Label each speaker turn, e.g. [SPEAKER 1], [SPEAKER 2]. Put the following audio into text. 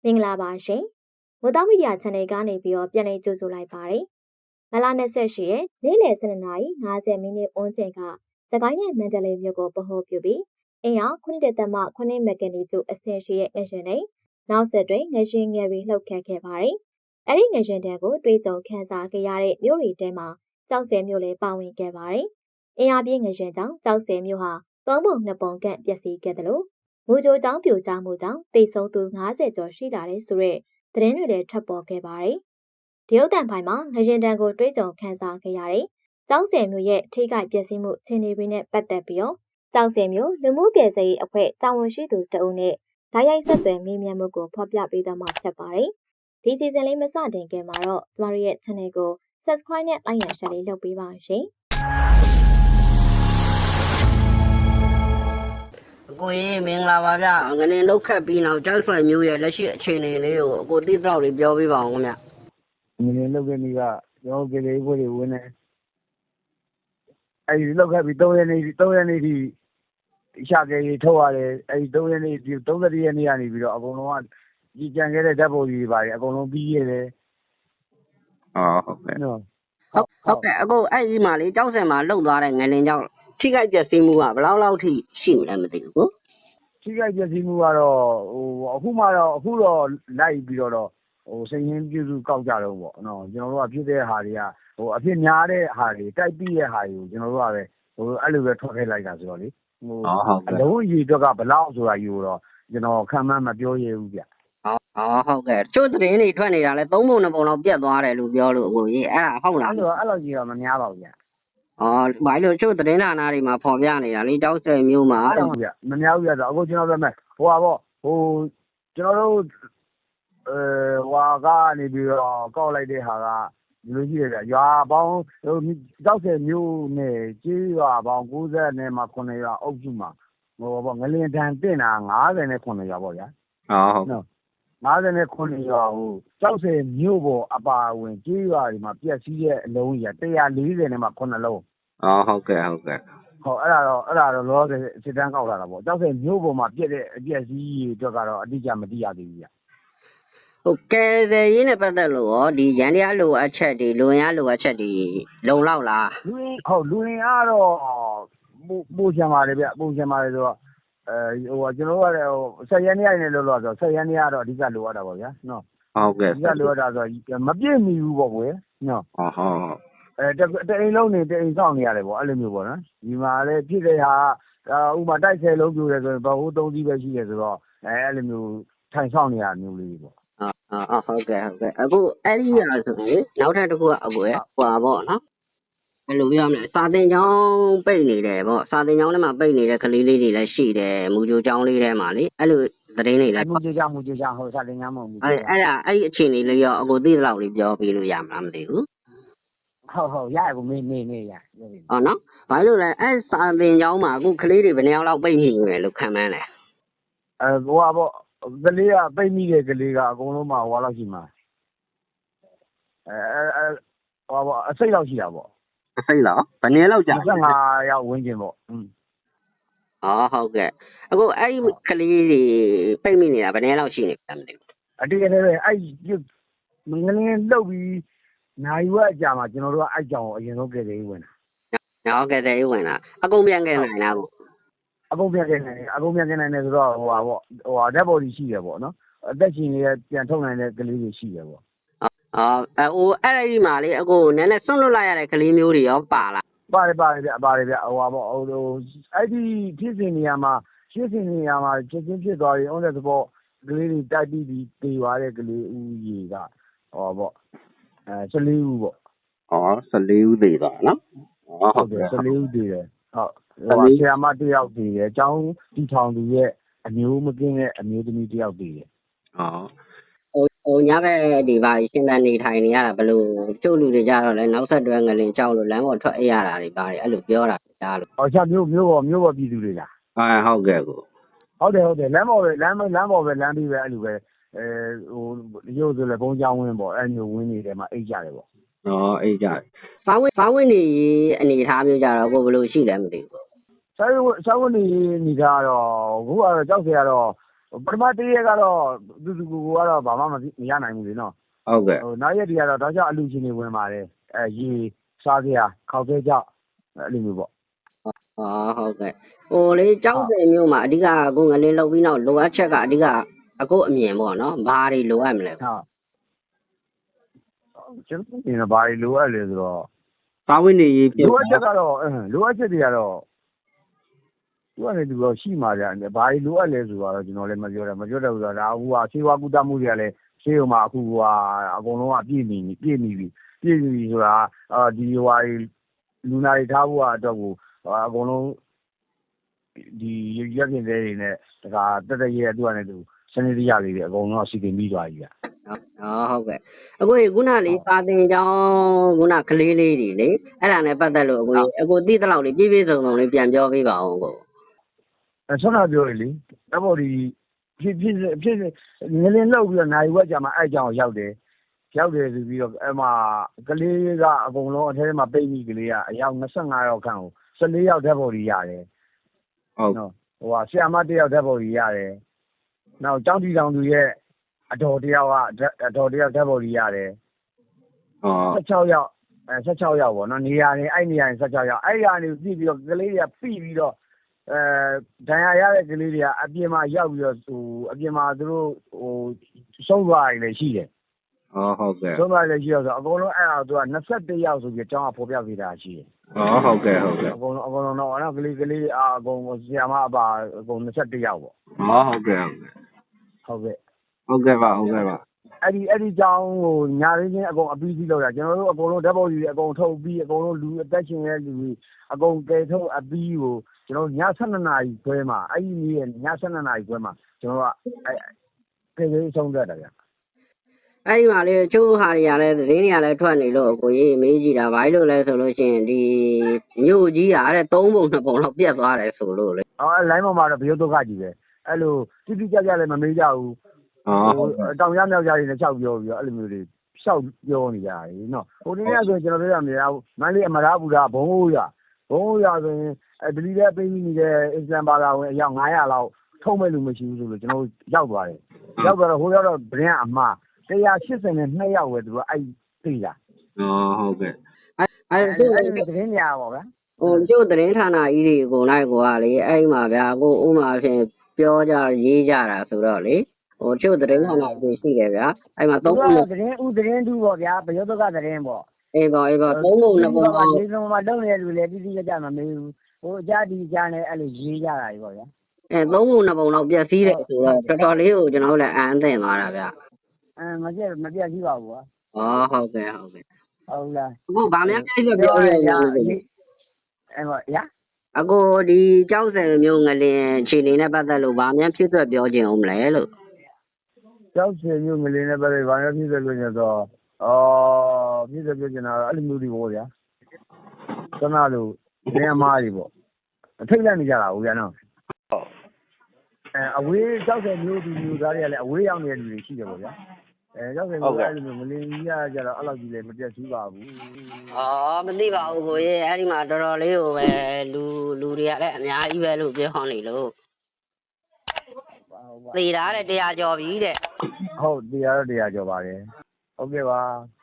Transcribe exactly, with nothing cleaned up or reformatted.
[SPEAKER 1] မင်္ဂလာပါရှင်။မိုးသားမီဒီယာ channel ကနေပြီးတော့ပြန်လည်ကြိုဆိုလိုက်ပါတယ်။မလ၂၈ရက်နေ့လယ်၁၂နာရီ၅၀မိနစ်ဝန်းကျင်ကစကိုင်းနဲ့မန္တလေးမြို့ကိုပဟောပြုပြီးအင်အားခုနှစ်သက်မှခုနှစ်မက်ဂနီကျူအဆင့်ရှိတဲ့ငရှင်တွေနောက်ဆက်တွဲငရှင်ငယ်တွေလှုပ်ခတ်ခဲ့ပါတယ်။အဲ့ဒီငရှင်တွေကိုတွေးကြုံခန်းစားခဲ့ရတဲ့မြို့တွေထဲမှာကြောက်စဲမြို့လည်းပါဝင်ခဲ့ပါတယ်။အင်အားပြင်းငရှင်ကြောင့်ကြောက်စဲမြို့ဟာသုံးပုံနှစ်ပုံကန့်ပျက်စီးခဲ့တယ်လို့မူကြိုကြောင့်ပြိုကျမှုကြောင့်တိတ်ဆုံးသူ၅၀ကျော်ရှိလာတဲ့ဆိုတဲ့သတင်းတွေလည်းထွက်ပေါ်ခဲ့ပါတယ်။ဒီရုပ်သံဖိုင်မှာငရင်တန်ကိုတွေးကြုံခန်းစားခဲ့ရတဲ့ကျောက်ဆယ်မျိုးရဲ့ထိခိုက်ပျက်စီးမှုခြေနေတွေနဲ့ပတ်သက်ပြီးတော့ကျောက်ဆယ်မျိုးလူမှုကယ်ဆယ်ရေးအဖွဲ့တာဝန်ရှိသူတအုပ်နဲ့ဓာတ်ရိုက်ဆက်သွယ်မေးမြန်းမှုကိုဖော်ပြပေးသွားမှာဖြစ်ပါတယ်။ဒီစီဇန်လေးမစတင်ခင်မှာတော့ကျမတို့ရဲ့ channel ကို subscribe နဲ့ like ရ share လေးလုပ်ပေးပါရှင်။
[SPEAKER 2] ကိုကြီးမင်္ဂလာပါဗျငနေလောက်ခတ်ပြီးနောက်ကျောက်ဆွဲမျိုးရဲ့လက်ရှိအခြေအနေလေးကိုအကိုသိတော့တွေပြောပြပါအောင်ခင်ဗျ
[SPEAKER 3] ငနေလောက်ခဲ့နေကကျွန်တော်ကြေလေးဘွေတွေဝင်နေအဲဒီလောက်ခတ်ပြီး၃ရက်နေ၃ရက်နေဒီရှာကြရေးထုတ်ရတယ်အဲဒီ၃ရက်နေဒီ၃၁ရက်နေကနေပြီးတော့အကုန်လုံးကကြီးကြံခဲ့တဲ့ဓာတ်ပုံကြီးတွေပါတယ်အကုန်လုံးပြီးရတယ်
[SPEAKER 4] အော်ဟုတ်ကဲ့
[SPEAKER 2] ဟုတ်ဟုတ်ကဲ့အကိုအဲ့ဒီမှာလေကျောက်ဆယ်မှာလှုပ်သွားတဲ့ငလင်ကြောင့်ထိခိုက်ပျက်စီးမှုကဘယ်လောက်လောက်ထိရှိမလဲမသိဘူးကို
[SPEAKER 3] ထိခိုက်ပျက်စီးမှုကတော့ဟိုအခုမှတော့အခုတော့လိုက်ပြီးတော့ဟိုစိတ်ရင်းပြုစုကောက်ကြတော့ပေါ့နော်ကျွန်တော်တို့ကဖြစ်တဲ့ဟာတွေကဟိုအဖြစ်များတဲ့ဟာတွေတိုက်ပြီးတဲ့ဟာတွေကိုကျွန်တော်တို့ကပဲဟိုအဲ့လိုပဲထွက်ခဲ့လိုက်တာဆိုတော့လေဟိုအလုံးအရေအတွက်ကဘယ်လောက်ဆိုတာယူတော့ကျွန်တော်ခံမှန်းမပြောရဘူးဗျ
[SPEAKER 2] အော်ဟုတ်ကဲ့ကျို့သတင်းတွေထွက်နေတာလဲသုံးပုံနှစ်ပုံလောက်ပြတ်သွားတယ်လို့ပြောလို့အကိုကြီးအဲ့ဒါဟုတ်လား
[SPEAKER 3] အဲ့လိုအဲ့လိုကြီးတော့မများပါဘူးဗျ
[SPEAKER 2] အော်ဘာလို့ကျို့သတင်းဌာနတွေမှာဖော်ပြနေတာလေကျောက်ဆယ်မျိုးမှာ
[SPEAKER 3] အဲ့လိုဗျမများဘူးဗျဆိုအခုကျွန်တော်ပြောမယ်ဟိုပါပေါ့ဟိုကျွန်တော်တို့အဲဟွာကနေပြီးတော့ကောက်လိုက်တဲ့ဟာကဒီလိုရှိတယ်ဗျရွာပေါင်းဟိုကျောက်ဆယ်မျိုးနဲ့ကျေးရွာပေါင်း၉၀နဲ့မှ9ရွာအုပ်စုမှာဟိုပေါ့ငလင်တန်တင်တာ၅၀နဲ့9ရွာပေါ့ဗျာ
[SPEAKER 4] ဟုတ်ဟုတ်
[SPEAKER 3] နော်၅၀နဲ့9ရွာဟိုကျောက်ဆယ်မျိုးပေါ်အပါဝင်ကျေးရွာတွေမှာပြက်စီးတဲ့အလုံးကြီးက၁၄၀နဲ့မှ9လုံး
[SPEAKER 4] အော်ဟုတ်ကဲ့ဟုတ်ကဲ့
[SPEAKER 3] ဟောအဲ့ဒါတော့အဲ့ဒါတော့လောလောဆယ်စစ်တမ်းကောက်လာတာပေါ့ကျောက်ဆယ်မျိုးပေါ်မှာပြက်တဲ့အပြက်စီးတွေအတွက်ကတော့အတိအကျမသိရသေးဘူးဗျ
[SPEAKER 2] ဟုတ်ကဲ့ရင်းနဲ့ပတ်သက်လို့ရောဒီရန်တရားလိုအပ်ချက်တွေလူရင်းလိုအပ်ချက်တွေလုံလောက်လား
[SPEAKER 3] လူရင်းဟုတ်လူရင်းကတော့ပို့ပို့ချင်ပါတယ်ဗျပို့ချင်ပါတယ်ဆိုတော့အဲဟိုကျွန်တော်တို့ကလည်းဟိုဆက်ရန်နေရနေလို့လို့ဆိုဆက်ရန်နေရတော့အဓိကလိုအပ်တာပေါ့ဗျာနော်
[SPEAKER 4] ဟုတ်ကဲ့
[SPEAKER 3] အဓိကလိုအပ်တာဆိုမပြည့်မီဘူးပေါ့ကွယ်နော်
[SPEAKER 4] ဟုတ်ဟုတ်
[SPEAKER 3] အဲတအိမ်လုံးနေတအိမ်ဆောင်နေရတယ်ပေါ့အဲ့လိုမျိုးပေါ့နော်ဒီမှာလည်းဖြစ်တဲ့ဟာဥမာတိုက်ဆယ်လုံးပြိုတယ်ဆိုရင်ဘဟုသုံးစီးပဲရှိတယ်ဆိုတော့အဲအဲ့လိုမျိုးထိုင်ဆောင်နေရမျိုးလေးပေါ့
[SPEAKER 2] အာအာဟုတ်ကဲ့ဟုတ်ကဲ့အခုအဲ့ဒီဟာဆိုရင်နောက်ထပ်တစ်ခုကအကိုရဟွာပေါ့နော်ဘယ်လိုပြောမလဲစာတင်ကျောင်းပိတ်နေတယ်ပေါ့စာတင်ကျောင်းထဲမှာပိတ်နေတဲ့ကလေးလေးတွေလည်းရှိတယ်မူကြိုကျောင်းလေးထဲမှာလေအဲ့လိုသတင်းတွေလည်း
[SPEAKER 3] မူကြိုကျောင်းမူကြိုကျောင်းဟိုစာတင်ကျောင်းမဟုတ်ဘူး
[SPEAKER 2] အဲ့အဲ့ဒါအဲ့ဒီအခြေအနေလေးရောအကိုသိတဲ့လောက်လေးပြောပြလို့ရမှာမသိဘူး
[SPEAKER 3] ဟုတ်ဟုတ်ရကိုမေးမေးမေးရ
[SPEAKER 2] အော်နော်ဘာလို့လဲအဲ့စာတင်ကျောင်းမှာအခုကလေးတွေဘယ်နှစ်ယောက်လောက်ပိတ်နေလဲလို့ခံမှန်းလဲ
[SPEAKER 3] အဲဟိုပါပေါ့ကလေးကပိတ်မိတဲ့ကလေးကအကုန်လုံးမှဟိုလောက်ရှိမှာအဲအဲဟိုပါအစိတ်လောက်ရှိတာပေါ့
[SPEAKER 4] အစိတ်လောက်ဘယ်နည်းလောက်ကြာ
[SPEAKER 3] ၂၅ရောက်ဝန်းကျင်ပေါ့อืม
[SPEAKER 2] အော်ဟုတ်ကဲ့အခုအဲ့ဒီကလေးတွေပိတ်မိနေတာဘယ်နည်းလောက်ရှိနေလဲမသိဘူး
[SPEAKER 3] အတေးတည်းပဲအဲ့ငလင်းလှုပ်ပြီးနိုင်ဝက်အကြာမှာကျွန်တော်တို့ကအဲ့ကြောင်အရင်ဆုံးကယ်တယ်ဝင်
[SPEAKER 2] တာဟုတ်ကဲ့တယ်ဝင်တာအကုန်ပြန်ကယ်နိုင်တာပေါ့
[SPEAKER 3] အကုန်ပြန်ကယ်နိုင်တယ်အကုန်ပြန်ကယ်နိုင်တယ်ဆိုတော့ဟိုပါပေါ့ဟိုဟာဓာတ်ပေါ်ကြီးရှိတယ်ပေါ့နော်အသက်ရှင်နေတဲ့ပြန်ထုတ်နိုင်တဲ့ကလေးတွေရှိတယ်ပေါ့
[SPEAKER 2] အော်အဲဟိုအဲ့ဒီမှာလေအခုနည်းနည်းဆွန့်လွတ်လိုက်ရတဲ့ကလေးမျိုးတွေရောပါလား
[SPEAKER 3] ပါတယ်ပါတယ်ဗျပါတယ်ဗျဟိုပါပေါ့ဟိုအဲ့ဒီဖြစ်စဉ်နေရာမှာဖြစ်စဉ်နေရာမှာချက်ချင်းဖြစ်သွားရင် on the spot ကလေးတွေတိုက်ပြီးပြီးတေသွားတဲ့ကလေးဦးရေကဟောပေါ့အဲ၁၄ဦးပေါ့
[SPEAKER 4] အော်၁၄ဦးသေးသွားနော်
[SPEAKER 3] အော်ဟုတ်တယ်၁၄ဦးသေးတယ်ဟုတ်ဟိုဆရာမတစ်ယောက်သေးတယ်အကြောင်းတီထောင်သူရဲ့အမျိုးမကင်းတဲ့အမျိုးသမီးတစ်ယောက်သေးတယ်
[SPEAKER 4] အော်
[SPEAKER 2] ဟိုဟိုညဘက်ဒီပါရှင်းတန်းနေထိုင်နေရတာဘယ်လိုကျုပ်လူတွေကြတော့လဲနောက်ဆက်တွဲငလင်ကြောက်လို့လမ်းပေါ်ထွက်အိပ်ရတာတွေပါတယ်အဲ့လိုပြောတာကြားလို့
[SPEAKER 3] ဟောချမျိုးမျိုးပေါ်မျိုးပေါ်ပြည်သူတွေလား
[SPEAKER 4] အဲဟုတ်ကဲ့ကို
[SPEAKER 3] ဟုတ်တယ်ဟုတ်တယ်လမ်းပေါ်ပဲလမ်းလမ်းပေါ်ပဲလမ်းပြီးပဲအဲ့လိုပဲအဲဟိုရုပ်ဆိုလဲဘုံကြောင်းဝင်းပေါ့အဲ့မျိုးဝင်းနေတယ်မှာအိတ်ကြတယ်ပေါ့
[SPEAKER 4] อ๋อအေးကြတယ်
[SPEAKER 2] ဘာဝင်ဘာဝင်နေအနေထားမျိုးကြတော့ကိုဘယ်လိုရှိလဲမသိဘူး
[SPEAKER 3] ဆောင်းဆောင်းနေနေတာတော့အခုကတော့ကြောက်စရာတော့ဟပထမတရက်ကတော့သူသူကိုကတော့ဘာမှမရနိုင်ဘူးလေနော်
[SPEAKER 4] ဟုတ်ကဲ့
[SPEAKER 3] ဟိုနောက်ရက်တွေကတော့တောက်ချအလူချင်းတွေဝင်ပါတယ်အဲရေစားစရာခောက်သေးကြောက်အဲ့လိုမျိုးပေါ့
[SPEAKER 2] ဟောဟုတ်ကဲ့ဟိုလေကြောက်စင်မျိုးမှာအဓိကကိုငလင်းလောက်ပြီးနောက်လိုအပ်ချက်ကအဓိကအခုအမြင်ပေါ့နော်ဘာတွေလိုအပ်မလဲ
[SPEAKER 3] ဟုတ်ကျွန်တော်မြင်တာဘာတွေလိုအပ်လဲဆိုတော့
[SPEAKER 4] ပါဝင်နေရေးပြ
[SPEAKER 3] လိုအပ်ချက်ကတော့အင်းလိုအပ်ချက်တွေကတော့သူကလည်းသူတော့ရှိမှာကြတယ်ဘာတွေလိုအပ်လဲဆိုတော့ကျွန်တော်လည်းမပြောတယ်မပြောတယ်ဆိုတော့ဒါအခုကဆေးဝါးကုသမှုတွေကလည်းဆေးရုံမှာအခုကအကုန်လုံးကပြည့်နေပြီပြည့်နေပြီပြည့်နေပြီဆိုတာအာဒီဟိုဟာလူနာတွေထားဖို့အတွက်ကိုအကုန်လုံးဒီရက်ပြင်တွေနဲ့ဒါကတက်တက်ရဲသူကလည်းသူစနေတရလေးတွေအကုန်လုံးစီတင်ပြီးသွားပြီဗျ
[SPEAKER 2] ဟောဟုတ်ကဲ့အခုခုနလေးစာသင်ကျောင်းခုနကလေးလေးတွေလေအဲ့ဒါနဲ့ပတ်သက်လို့အခုအခုတိတလောက်လေးပြည့်ပြည့်စုံစုံလေးပြန်ပြောပေးပါအောင်ကို
[SPEAKER 3] အဲဆွမ်းနာပြောရလေအဲ့ပေါ်ဒီဖြစ်ဖြစ်ဖြစ်ငလင်းလောက်ပြီးတော့နိုင်ဝက်ကြမှာအဲ့ကြောင်ရောက်တယ်ရောက်တယ်ဆိုပြီးတော့အဲ့မှာကလေးကအကုန်လုံးအထဲမှာပိတ်မိကလေးကအယောက်၂၅ယောက်ခန့်ကို၁၄ယောက်ဓာတ်ပေါ်ကြီးရတယ်
[SPEAKER 4] ဟုတ်
[SPEAKER 3] နော်ဟိုဟာဆီယမတစ်ယောက်ဓာတ်ပေါ်ကြီးရတယ်နောက်ကျောင်းတီတောင်သူရဲ့အတော်တယောက်ကအတော်တယောက်ဓာတ်ပေါ်ကြီးရတယ်
[SPEAKER 4] ဟော
[SPEAKER 3] ၁၆ယောက်အဲ၁၆ယောက်ပေါ့နော်နေရာနေအဲ့နေရာနေ၁၆ယောက်အဲ့နေရာနေပြည့်ပြီးတော့ကလေးတွေကပြီးပြီးတော့အဲဒဏ်ရာရတဲ့ကလေးတွေကအပြင်မှာရောက်ပြီးတော့ဟိုအပြင်မှာသူတို့ဟိုဆုံးသွားတယ်လည်းရှိတယ်
[SPEAKER 4] ဟောဟုတ်ကဲ့
[SPEAKER 3] ဆုံးသွားတယ်ရှိတော့ဆိုအကုန်လုံးအဲ့ဒါသူက၂၁ယောက်ဆိုပြီးအကြောင်းကဖော်ပြပေးတာရှိတယ်
[SPEAKER 4] ဟောဟုတ်ကဲ့ဟုတ်ကဲ့
[SPEAKER 3] အကုန်လုံးအကုန်လုံးတော့အဲ့ကလေးကလေးတွေအကုန်ဆီယမအပါအကုန်၂၁ယောက်ပေါ့
[SPEAKER 4] ဟောဟုတ်ကဲ့ဟုတ်ကဲ့
[SPEAKER 3] ဟုတ်ကဲ့
[SPEAKER 4] ဟုတ်ကဲ့ပါဟုတ်ကဲ့ပါ
[SPEAKER 3] အဲ့ဒီအဲ့ဒီကြောင်းကိုညာရင်းချင်းအကုန်အပီးကြီးလောက်တာကျွန်တော်တို့အကုန်လုံးဓာတ်ပုံကြီးတွေအကုန်ထုတ်ပြီးအကုန်လုံးလူအသက်ရှင်ရဲ့လူတွေအကုန်ကယ်ထုတ်အပီးကိုကျွန်တော်ည၁၂နာရီခွဲမှာအဲ့ဒီနေ့ည၁၂နာရီခွဲမှာကျွန်တော်ကအဲ့ကယ်ရေးဆုံးသက်တာဗျ
[SPEAKER 2] အဲ့ဒီမှာလေချိုးဟာတွေကလည်းသတင်းတွေကလည်းထွက်နေလို့ကိုကြီးမေးကြည့်တာဘာလို့လဲဆိုလို့ရှိရင်ဒီမြို့ကြီးကတဲ့သုံးပုံနှစ်ပုံလောက်ပြတ်သွားတယ်ဆိုလို့လေ
[SPEAKER 3] အော်အဲ့လိုင်းပေါ်မှာတော့ဘယုတ်ဒုက္ခကြီးပဲအဲ့လိုတိတိကျကျလည်းမမေးကြဘူး
[SPEAKER 4] ဟော
[SPEAKER 3] ဟိုတောင်ရမြောက်ကြတွေနဲ့လျှောက်ပြောပြီးတော့အဲ့လိုမျိုးတွေလျှောက်ပြောနေကြတယ်နော်ဟိုနေ့ကဆိုကျွန်တော်ပြောရမယ်မန္တလေးအမရပူရာဘုံဟိုးရဘုံဟိုးရဆိုရင်အဲဒလီတဲ့ပေးပြီးနေတဲ့အစ္စလမ်ဘာသာဝင်အယောက်၅၀၀လောက်ထုံးမဲ့လူမရှိဘူးဆိုလို့ကျွန်တော်ရောက်သွားတယ်ရောက်သွားတော့ဟိုရောက်တော့ဗရင်ကအမှား၁၈၂ယောက်ပဲသူကအဲ့သိတာ
[SPEAKER 4] ဟောဟုတ်ကဲ့
[SPEAKER 2] အဲ့အဲ့
[SPEAKER 3] အဲ့
[SPEAKER 2] ဒီ
[SPEAKER 3] အဲ့ဒီသတင်းညာပါဗျာ
[SPEAKER 2] ဟိုကျို့သတင်းဌာနကြီးတွေကိုလိုက်ကိုကလေအဲ့ဒီမှာဗျာကိုဥမာဖြင့်ပြောကြရေးကြတာဆိုတော့လေဟိုကျို့သတင်းဌာနကြီးရှိတယ်ဗျာအဲ့မှာသုံးပုံ
[SPEAKER 3] သတင်းဥသတင်းတူပေါ့ဗျာဘယုတ်ဒုက္ခသတင်းပေါ့
[SPEAKER 2] အေးပါအေးပါသုံးပုံနှစ်ပုံ
[SPEAKER 3] ပါဒီလိုမှလုံးနေတဲ့လူလည်းတိတိကျကျမမေးဘူးဟိုအကြဒီအကြနဲ့အဲ့လိုရေးကြတာကြီးပေါ့ဗျာ
[SPEAKER 2] အဲသုံးပုံနှစ်ပုံလောက်ပြည့်စည်တယ်ဆိုတော့တော်တော်လေးကိုကျွန်တော်တို့လည်းအန်အသင့်သွားတာဗျာ
[SPEAKER 3] အဲမပြတ်မပြတ်ရှိပါဘူးကွာ
[SPEAKER 2] ဩဟုတ်ကဲ့ဟုတ်ကဲ့
[SPEAKER 3] ဟုတ်လား
[SPEAKER 2] အခုဗာများပြည့်စုံပြောရရင်
[SPEAKER 3] အဲပေါ့ဗျာ
[SPEAKER 2] အခုဒီကြောက်စင်မျိုးငလင်ခြေနေနဲ့ပတ်သက်လို့ဗာများဖြစ်သွက်ပြောခြင်းအောင်မလဲလို့
[SPEAKER 3] ကျောက်စင်မျိုးငလင်းနဲ့ပဲဘာလို့ဖြစ်တယ်လို့ညတော့အော်ဖြစ်တယ်ပြောချင်တာအဲ့လိုမျိုးတွေပေါ့ဗျာခဏလို့နေအမားတွေပေါ့အထိတ်လိုက်နေကြတာဟုတ်ဗျာနော်အဲအဝေးကျောက်စင်မျိုးဒီမျိုးသားတွေကလည်းအဝေးရောက်နေတဲ့လူတွေရှိတယ်ပေါ့ဗျာအဲကျောက်စင်မျိုးအဲ့လိုမျိုးငလင်းကြီးရကြတော့အဲ့လောက်ကြီးလည်းမပြတ်သေးပါဘူး
[SPEAKER 2] อ๋อမသိပါဘူးကိုကြီးအဲ့ဒီမှာတော်တော်လေးကိုပဲလူလူတွေကလည်းအများကြီးပဲလို့ပြောနေလို့သေတာတဲ့တရားကျော်ပြီတဲ့
[SPEAKER 3] ဟုတ်တရားတော့တရားကြော်ပါတယ်ဟုတ်ကဲ့ပါ